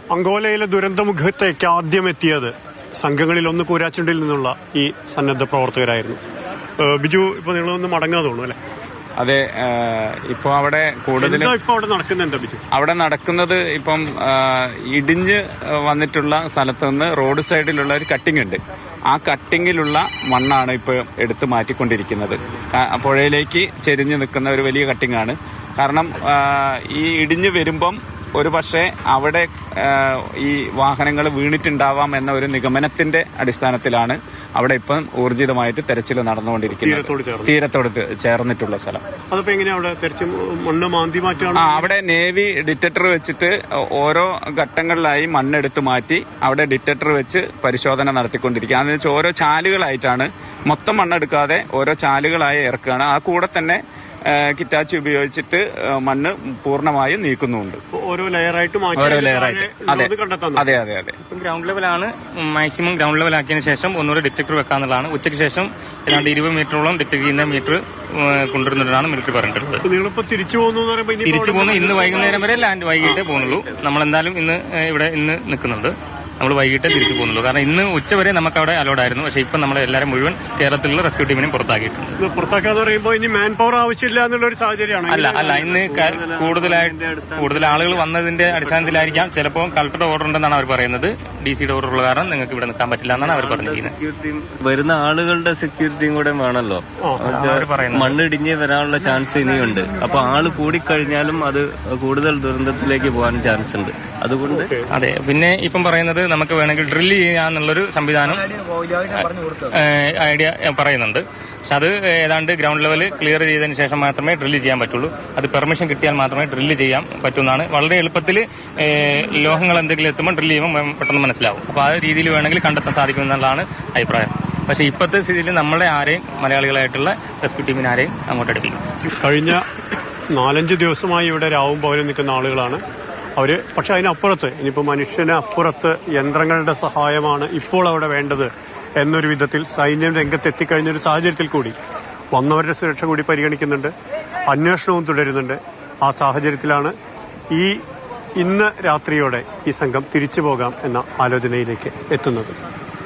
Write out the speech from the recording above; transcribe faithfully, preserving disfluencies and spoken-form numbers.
അങ്കോലയിലെ ദുരന്തമുഖത്തേക്ക് ആദ്യം എത്തിയത് സംഘങ്ങളിൽ ഒന്ന് കൂരാച്ചുണ്ടിൽ നിന്നുള്ള ഈ സന്നദ്ധ പ്രവർത്തകരായിരുന്നു. ബിജു, ഇപ്പൊ നിങ്ങളൊന്ന് മടങ്ങാൻ തോന്നുന്നു അല്ലെ? അതെ, ഇപ്പൊ അവിടെ കൂടുതൽ അവിടെ നടക്കുന്നത് ഇപ്പം ഇടിഞ്ഞ് വന്നിട്ടുള്ള സ്ഥലത്ത് നിന്ന് റോഡ് സൈഡിലുള്ള ഒരു കട്ടിംഗ് ഉണ്ട്. ആ കട്ടിങ്ങിലുള്ള മണ്ണാണ് ഇപ്പൊ എടുത്ത് മാറ്റിക്കൊണ്ടിരിക്കുന്നത്. പുഴയിലേക്ക് ചെരിഞ്ഞു നിൽക്കുന്ന ഒരു വലിയ കട്ടിങ്ങാണ്. കാരണം ഈ ഇടിഞ്ഞ് വരുമ്പം ഒരു പക്ഷേ അവിടെ ഈ വാഹനങ്ങൾ വീണിട്ടുണ്ടാവാം എന്ന ഒരു നിഗമനത്തിന്റെ അടിസ്ഥാനത്തിലാണ് അവിടെ ഇപ്പം ഊർജിതമായിട്ട് തെരച്ചിൽ നടന്നുകൊണ്ടിരിക്കുന്നത്. തീരത്തോട് ചേർന്നിട്ടുള്ള സ്ഥലം. ആ അവിടെ നേവി ഡിറ്റക്ടർ വെച്ചിട്ട് ഓരോ ഘട്ടങ്ങളിലായി മണ്ണെടുത്ത് മാറ്റി അവിടെ ഡിറ്റക്ടർ വെച്ച് പരിശോധന നടത്തിക്കൊണ്ടിരിക്കുക. അതെന്ന് വെച്ചാൽ ഓരോ ചാലുകളായിട്ടാണ്, മൊത്തം മണ്ണെടുക്കാതെ ഓരോ ചാലുകളായി ഇറക്കുകയാണ്. ആ കൂടെ തന്നെ കിറ്റാച്ചി ഉപയോഗിച്ചിട്ട് മണ്ണ് പൂർണ്ണമായും നീക്കുന്നുണ്ട്. ഓരോ ലെയറായിട്ട് ഓരോ ലെയറായിട്ട് അതെ അതെ അതെ അതെ ഗ്രൗണ്ട് ലെവലാണ് മാക്സിമം ഗ്രൗണ്ട് ലെവൽ ആക്കിയതിനു ശേഷം ഒന്നുകൂടെ ഡിറ്റക്ടർ വെക്കാന്നുള്ളതാണ്. ഉച്ചയ്ക്ക് ശേഷം ഏതാണ്ട് ഇരുപത് മീറ്ററോളം ഡിറ്റക്ട് ചെയ്യുന്ന മീറ്റർ കൊണ്ടുവരുന്നതാണ് മിലിറ്ററി പറഞ്ഞിട്ടുള്ളത്. തിരിച്ചു പോകുന്നു തിരിച്ചു പോകുന്നു ഇന്ന് വൈകുന്നേരം വരെ ലാൻഡ് വൈകിട്ടേ പോകുന്നുള്ളൂ. നമ്മളെന്തായാലും ഇന്ന് ഇവിടെ ഇന്ന് നിൽക്കുന്നുണ്ട്. നമ്മൾ വൈകിട്ട് തിരിച്ചു പോകുന്നുള്ളൂ. കാരണം ഇന്ന് ഉച്ചവരെ നമുക്ക് അവിടെ അലോഡ് ആയിരുന്നു. പക്ഷേ ഇപ്പം നമ്മൾ എല്ലാവരും മുഴുവൻ കേരളത്തിലുള്ള റെസ്ക്യൂ ടീമിനെയും പുറത്താക്കിയിട്ടുണ്ട്. പുറത്താക്കാന്ന് പറയുമ്പോൾ ഇനി മാൻ പവർ ആവശ്യമില്ല എന്നുള്ള ഒരു സാഹചര്യമാണ്. അല്ല അല്ല ഇന്ന് കൂടുതലായിട്ട് കൂടുതൽ ആളുകൾ വന്നതിന്റെ അടിസ്ഥാനത്തിലായിരിക്കാം. ചിലപ്പോൾ കളക്ടറുടെ ഓർഡർ ഉണ്ടെന്നാണ് അവർ പറയുന്നത്. ഡി സിയുടെ ഓർഡർ ഉള്ള കാരണം നിങ്ങൾക്ക് ഇവിടെ നിൽക്കാൻ പറ്റില്ല എന്നാണ് അവർ പറഞ്ഞിരിക്കുന്നത്. വരുന്ന ആളുകളുടെ സെക്യൂരിറ്റിയും കൂടെ വേണമല്ലോ. മണ്ണിടിഞ്ഞ് വരാനുള്ള ചാൻസ് ഇനിയുണ്ട്. അപ്പൊ ആള് കൂടിക്കഴിഞ്ഞാലും അത് കൂടുതൽ ദുരന്തത്തിലേക്ക് പോകാൻ ചാൻസ് ഉണ്ട്. അതുകൊണ്ട് അതെ. പിന്നെ ഇപ്പം പറയുന്നത് നമുക്ക് വേണമെങ്കിൽ ഡ്രില്ല് ചെയ്യാന്നുള്ളൊരു സംവിധാനം ഐഡിയ പറയുന്നുണ്ട്. പക്ഷെ അത് ഏതാണ്ട് ഗ്രൗണ്ട് ലെവൽ ക്ലിയർ ചെയ്തതിന് ശേഷം മാത്രമേ ഡ്രില്ല് ചെയ്യാൻ പറ്റുള്ളൂ. അത് പെർമിഷൻ കിട്ടിയാൽ മാത്രമേ ഡ്രില്ല് ചെയ്യാൻ പറ്റുന്നതാണ്. വളരെ എളുപ്പത്തിൽ ലോഹങ്ങൾ എന്തെങ്കിലും എത്തുമ്പോൾ ഡ്രില്ല് ചെയ്യുമ്പോൾ പെട്ടെന്ന് മനസ്സിലാവും. അപ്പോൾ ആ രീതിയിൽ വേണമെങ്കിൽ കണ്ടെത്താൻ സാധിക്കുമെന്നുള്ളതാണ് അഭിപ്രായം. പക്ഷെ ഇപ്പോഴത്തെ സ്ഥിതിയിൽ നമ്മളെ ആരെയും മലയാളികളായിട്ടുള്ള റെസ്ക്യൂ ടീമിനെ ആരെയും അങ്ങോട്ട് അടുപ്പിക്കും. കഴിഞ്ഞ നാലഞ്ച് ദിവസമായി ഇവിടെ രാവും പകലും നിൽക്കുന്ന ആളുകളാണ് അവര്. പക്ഷെ അതിനപ്പുറത്ത് ഇനിയിപ്പോൾ മനുഷ്യന് അപ്പുറത്ത് യന്ത്രങ്ങളുടെ സഹായമാണ് ഇപ്പോൾ അവിടെ വേണ്ടത് എന്നൊരു വിധത്തിൽ സൈന്യം രംഗത്തെത്തിക്കഴിഞ്ഞൊരു സാഹചര്യത്തിൽ കൂടി വന്നവരുടെ സുരക്ഷ കൂടി പരിഗണിക്കുന്നുണ്ട്. അന്വേഷണവും തുടരുന്നുണ്ട്. ആ സാഹചര്യത്തിലാണ് ഈ ഇന്ന് രാത്രിയോടെ ഈ സംഘം തിരിച്ചു പോകാം എന്ന ആലോചനയിലേക്ക് എത്തുന്നത്.